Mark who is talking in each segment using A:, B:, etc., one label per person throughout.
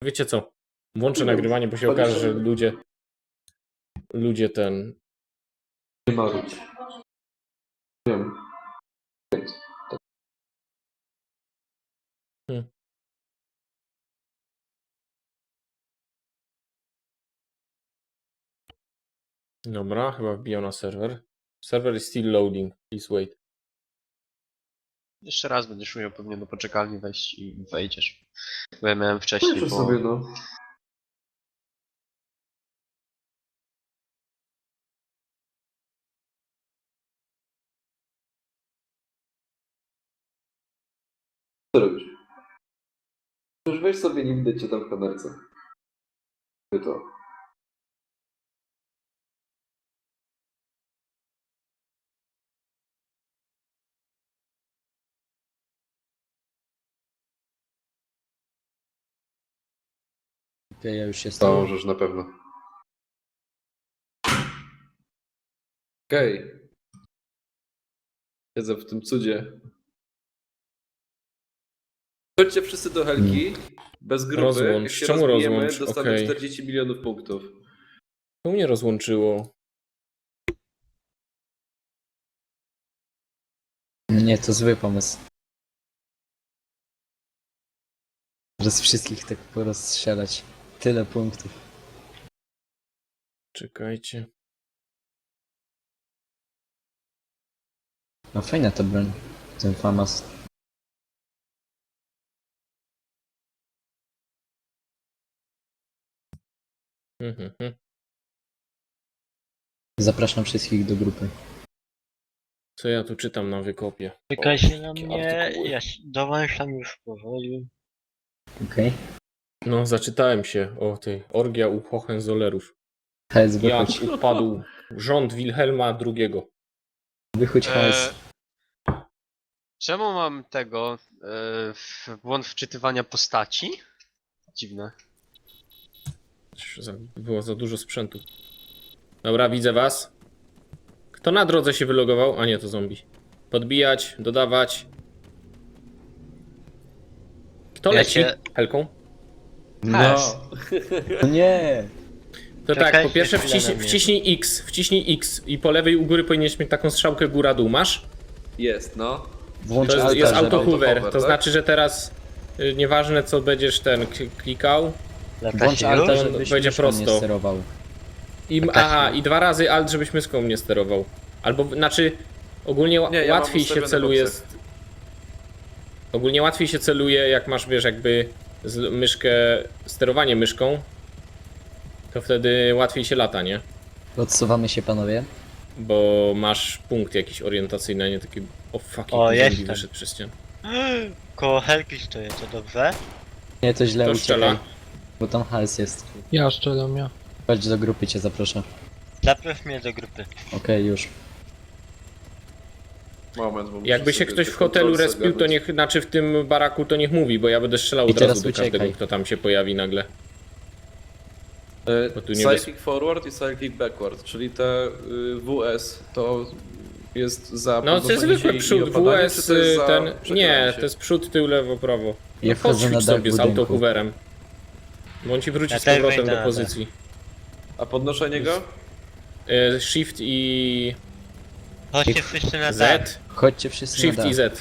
A: Wiecie co? Włączę nagrywanie, bo się okaże, że ludzie ten...
B: Nie marudź. Wiem.
A: Dobra, chyba wbijał na serwer. Server is still loading, please wait.
C: Jeszcze raz będziesz umiał pewnie do poczekalni wejść i wejdziesz. Bo ja miałem wcześniej,
B: Proszę
C: bo...
B: sobie, no. Co robisz? Już weź sobie, nie widać cię tam w kamerce. Ty to.
D: Ja już jestem.
B: Możesz na pewno. Okej. Siedzę w tym cudzie. Chodźcie wszyscy do Helki. Bez grupy.
A: Rozłącz.
B: Jak się
A: Czemu
B: rozbijemy,
A: rozłącz?
B: dostanę
A: Okej.
B: 40 milionów punktów.
A: To mnie rozłączyło.
D: Nie, to zły pomysł. Teraz wszystkich tak porozstrzelać. Tyle punktów.
A: Czekajcie.
D: No fajna ta broń. Ten FAMAS.
A: Mhm.
D: Zapraszam wszystkich do grupy.
A: Co ja tu czytam na wykopie?
E: Czekajcie na
A: jakie
E: mnie,
A: artykuły.
E: ja dołączam już powoli.
D: Okej?
A: No, zaczytałem się o tej orgia u Hohenzollerów.
D: HS,
A: Jak
D: wychodź.
A: upadł rząd Wilhelma II.
D: Wychodź HS.
C: Czemu mam tego... błąd wczytywania postaci? Dziwne.
A: Było za dużo sprzętu. Dobra, widzę was. Kto na drodze się wylogował? A nie, to zombie. Podbijać, dodawać. Kto
E: Ja
A: leci?
E: się-
A: Helką?
D: No. No nie!
A: To tak,
E: Czekajcie
A: po pierwsze
E: chwilę na mnie.
A: wciśnij X i po lewej u góry powinieneś mieć taką strzałkę góra-dół. Masz?
B: Jest, no.
D: Włącz
A: To jest
D: alta, żeby-
A: auto hover.
B: autohover,
A: To
B: tak?
A: znaczy, że teraz nieważne co będziesz klikał.
E: Lata
D: Włącz
E: się
D: alta,
E: już?
D: żebyś
A: będzie
D: myszką
A: prosto.
D: nie sterował.
A: I 2 razy alt, żebyś myszką nie sterował. Albo, znaczy, ogólnie
B: Nie, ja mam
A: łatwiej się
B: ustawione
A: celuje.
B: boksy.
A: Ogólnie łatwiej się celuje, jak masz, wiesz, jakby myszkę, sterowanie myszką. To wtedy łatwiej się lata, nie?
D: Odsuwamy się, panowie.
A: Bo masz punkt jakiś orientacyjny, a nie taki. O fucking
E: O,
A: zombie
E: jestem.
A: wyszedł przez ścianę.
E: Koło Helki stoję, to dobrze?
D: Nie, to źle
A: To
D: uciekaj.
A: strzela.
D: Bo tam HS jest.
F: Ja strzelam, ja.
D: Chodź do grupy, cię zaproszę.
E: Zaproś mnie do grupy.
D: Okej, już.
B: Moment, bo muszę
A: Jakby się
B: sobie
A: ktoś
B: te
A: w hotelu
B: kontrolsy
A: respił, to
B: ogarnąć.
A: niech, znaczy w tym baraku, to niech mówi, bo ja będę strzelał
D: I
A: od razu
D: teraz
A: do
D: uciekaj.
A: każdego, kto tam się pojawi nagle. Bo tu nie
B: Cyclic forward i cyclic backward, czyli te WS to jest za
A: No to jest
B: podnoszenie
A: zwykły
B: się i
A: przód,
B: opadanie,
A: WS
B: czy to jest za
A: ten. Nie,
B: przechylanie się?
A: to jest przód, tył, lewo, prawo.
D: Ja
A: No
D: wchodzę na
A: podświcz
D: dach
A: sobie z
D: budynku.
A: autohooverem. Bo on ci wróci
E: Ja
A: z
E: też
A: powrotem
E: wejdę
A: do
E: na
A: pozycji.
B: A podnoszenie go?
A: Shift i
E: Chodźcie wszyscy na dach.
A: Z.
D: Chodźcie wszyscy
A: Shift
D: na
A: i
D: dach,
A: Z.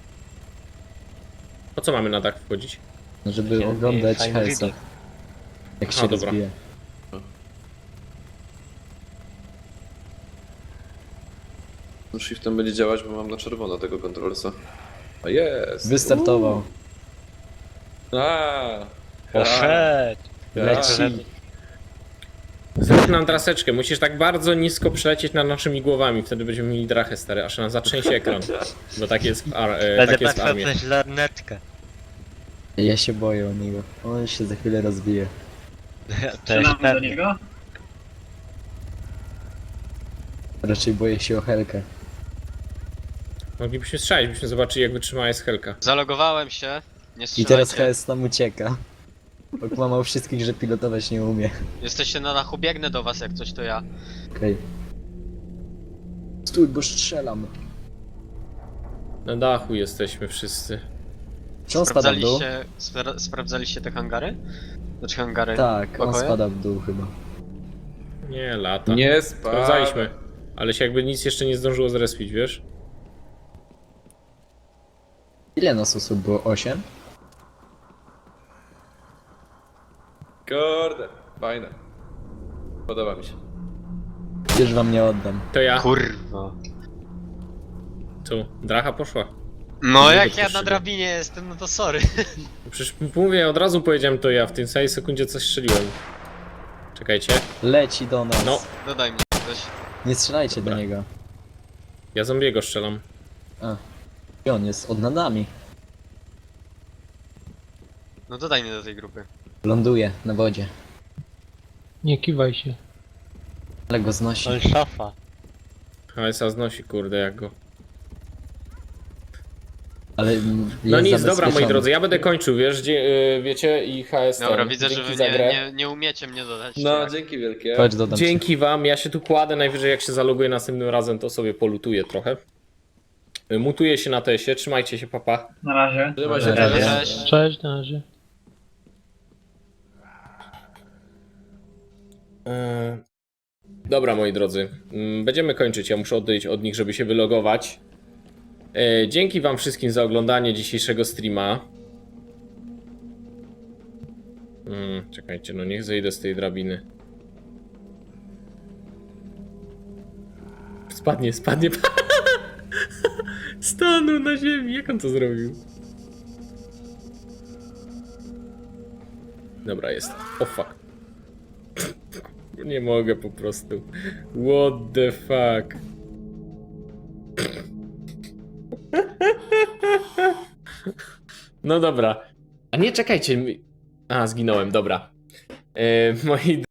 A: Po co mamy na dach wchodzić?
D: żeby
E: Takie
D: oglądać
E: fajny
D: HS-a.
E: widok.
D: Jak
A: Aha,
D: się
A: dobra.
D: rozbije.
B: No, shiftem będzie działać, bo mam na czerwono tego kontrolsa. A jest!
D: Wystartował.
B: A,
E: Poszedł.
D: Leci.
A: Zrób nam draseczkę, musisz tak bardzo nisko przelecieć nad naszymi głowami, wtedy będziemy mieli drachę stary, aż nam zatrzęsie ekran. Bo tak jest
E: Będę
A: tak jest w
E: patrzył
A: armii.
E: przez lornetkę.
D: Ja się boję o niego. On się za chwilę rozbije.
E: To jest pewnie.
D: Raczej boję się o Helkę.
A: Moglibyśmy strzelić, byśmy zobaczyli jak wytrzymała jest Helka.
C: Zalogowałem się. Nie
D: I teraz
C: strzelajcie.
D: HS nam ucieka. Okłamał wszystkich, że pilotować nie umie.
C: Jesteście na dachu, biegnę do was, jak coś to ja.
D: Okej. Stój, bo strzelam.
A: Na dachu jesteśmy wszyscy.
D: Czy on spada w dół?
C: Sprawdzaliście te hangary? Znaczy hangary.
D: Tak, on
C: Pokoje?
D: spada w dół chyba.
A: Nie, lata.
B: Nie spadaj.
A: Sprawdzaliśmy. Ale się jakby nic jeszcze nie zdążyło zrespić, wiesz?
D: Ile nas osób było? 8?
B: Kurde, fajne. Podoba mi się.
D: Już wam nie oddam.
A: To ja.
C: Kurwa.
A: Tu, dracha poszła.
C: No
A: Nie
C: jak ja
A: dopuściłem.
C: na drabinie jestem, no to sorry.
A: Przecież mówię, od razu powiedziałem to ja, w tej samej sekundzie coś strzeliłem. Czekajcie.
D: Leci do nas.
A: No,
C: Dodaj mnie ktoś.
D: Nie strzelajcie
A: Dobra.
D: do niego.
A: ja zombiego strzelam.
D: I on jest od nami.
C: No dodaj mnie do tej grupy.
D: Ląduje na wodzie.
F: Nie kiwaj się.
D: Ale go znosi.
E: On szafa.
A: HSA znosi, kurde, jak go.
D: Ale
A: No
D: jest
A: nic, dobra, moi
D: zabezpieczony.
A: drodzy, ja będę kończył, wiesz, wiecie, i HS.
C: Dobra, widzę, że
A: dzięki
C: wy
A: za grę.
C: nie umiecie mnie dodać.
B: No,
C: tak?
B: dzięki wielkie.
D: Chodź, dodam ci.
A: Dzięki wam, ja się tu kładę, najwyżej jak się zaloguję następnym razem, to sobie polutuję trochę. Mutuję się na tesie, trzymajcie się, papa.
E: Na razie.
B: Trzymaj się,
D: Na razie.
C: Cześć.
F: Cześć, na razie.
A: Dobra, moi drodzy, będziemy kończyć, ja muszę odejść od nich, żeby się wylogować. Dzięki wam wszystkim za oglądanie dzisiejszego streama. Czekajcie, no niech zejdę z tej drabiny. Spadnie. Stanął na ziemi, jak on to zrobił? Dobra, jest. O fuck. Nie mogę po prostu. What the fuck? No dobra. A nie, czekajcie. A, zginąłem, dobra. Moi